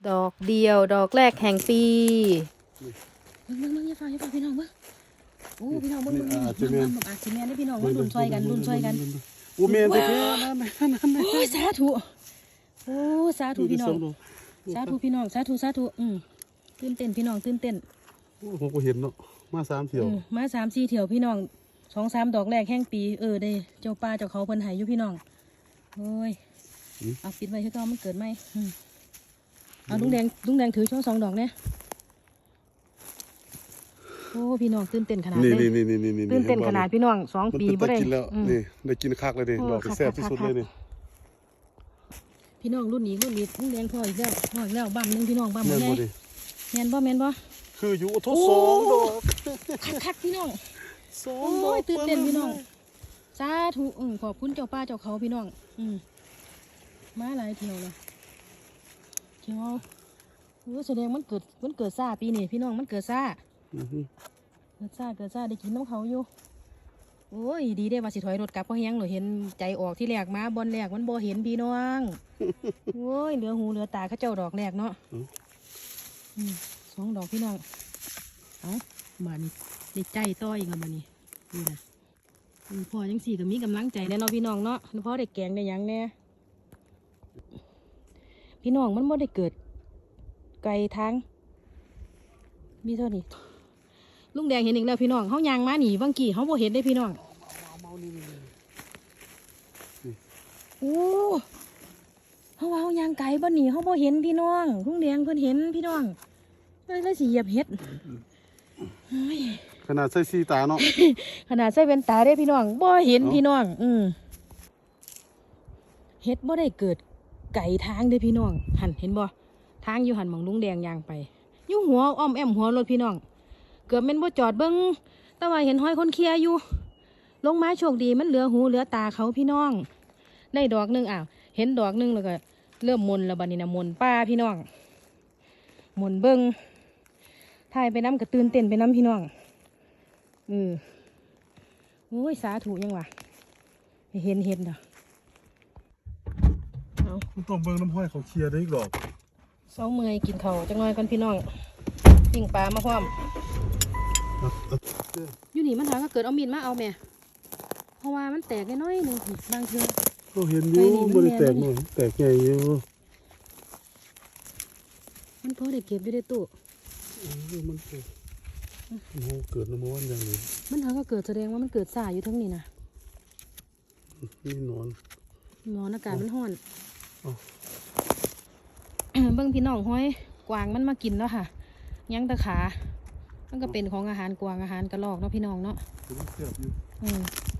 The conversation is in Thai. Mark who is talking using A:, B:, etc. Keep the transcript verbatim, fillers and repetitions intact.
A: ดอกเดียวดอกแรกแห่งปีมึงมึงมึงอย่าฟังอย่าฟังพี่น้องมึงโอ้พี่น้องมึงมึงอาจจะแม่นอาจจะแม่นได้พี่น้องมึงดุนซอยกันดุนซอยกัน
B: โอ้แม่นแต่แค่นั่นนั่นนั่น
A: โอ้ยสาธุโอ้สาธุพี่น้องสาธุพี่น้องสาธุสาธุอืมตื่นเต้นพี่น้องตื่นเต้น
B: โอ้ผมก็เห็นเนาะมาสามเที่ยว
A: มาสามสี่เที่ยวพี่น้องสองสามดอกแรกแห่งปีเออได้เจ้าป่าเจ้าเขาเพิ่นหายอยู่พี่น้องโอ้ยเอาปิดไว้ให้ก็มันเกิดไหมเอาลุงแดงลุงแดงถือช่องสองดอกเนี่ยโอ้พี่น้องตื่นเต้นขนาดเลยตื่นเต้นขนาดพี่น้องสองปีบ่ได้
B: นี่ได้กินคักเลยดิดอกแซ่บที่สุดเลยนี่
A: พี่น้องรุ่นนี้รุ่นนี้ลุงแดงพ่ออีกแล้วพ่ออีกแล้วบ้ามนึงพี่น้องบ้ามหมดเลยแมนบ่แมนบ่
B: คืออยู่ทดสองดอก
A: คักๆพี่น้อง
B: สองดอก
A: ตื่นเต้นพี่น้องสาธุขอบคุณเจ้าป้าเจ้าเขาพี่น้องมาหลายเที่ยวเลยเที่ยวโอ้แสดงมันเกิดมันเกิดซ่าปีนี้พี่น้องมันเกิดซ่าเกิดซ่าเกิดซ่าได้กินน้ำเขาอยู่โอ้ยดีได้ว่าสิถอยรถกลับเพราะแห้งหนูเห็นใจออกที่แรกมาบอลแรกมันบ่เห็นพี่น้องโอ้ยเหลือหูเหลือตาเขาเจ้าดอกแรกเนาะสองดอกพี่น้องเอาบานในใจต้อยอีกแล้วบานนี้นี่นะพอยังสี่กับมีกำลังใจแน่นอนพี่น้องเนาะเพราะได้แกงได้ยังแน่พี่น้องมันบ่ได้เกิดไกลทางมีเท่านี้ลุงแดงเห็นอีกแล้วพี่น้องเขายางมาหนีบางกี่เขาบ่เห็นได้พี่น้องโอ้เขาว่าเขายางไก่บ่หนีเขาบ่เห็นพี่น้องลุงแดงเพิ่นเห็นพี่น้องเลยเลยสิเหยียบเห็ด
B: ขนาดใส่สีตาเนาะ
A: ขนาดใส่เป็นตาได้พี่น้องบ่เห็นพี่น้องอืมเห็ดบ่ได้เกิดไก่ทางเด้พี่น้องหันเห็นบ่ทางอยู่หันมองลุงแดงยางไปอยู่หัวอ้อมแอมหัวรถพี่น้องเกือบเป็นบ่จอดเบิ้งแต่ว่าเห็นห้อยคนเคลียอยู่ลงมาโชคดีมันเหลือหูเหลือตาเขาพี่น้องได้ดอกนึงอ้าวเห็นดอกนึงแล้วก็เริ่มมนแล้วบัดนี้นะมนป้าพี่น้องมนเบิ้งถ่ายไปน้ำกับตื่นเต้นไปน้ำพี่น้องอือโอ้ยสาธุยังวะเห็นเห็นเด้อเอา
B: ต้องเบิ้งน้ำห้อยเขาเคลียร์ได้อีกดอก
A: สองมือกินเขาจังเลยกันพี่น้องปิ้งปลามาพร้อมอยู่นี่มันถามก็เกิดเอามีดมาเอาแม่เพราะว่ามันแตกน้อยนึงบางที
B: ก็เห็นอยู่บริแตกหน่อยแตกใหญ่อยู่
A: มันพอได้เก็บอยู่ในตู้
B: มันเกิดมันเกิดน้ำมันอย่างนี้
A: มันถามก็เกิดแสดงว่ามันเกิดสายอยู่ทั้งนี้นะ
B: นี่นอน
A: นอนอากาศมันร้อนเบิ้งพี่น้องห้อยกวางมันมากินแล้วค่ะยังตะขามันก็เป็นของอาหารกวางอาหารกระรอกเนาะพี่น้องเนาะ
B: เสียบอยู่
A: อืม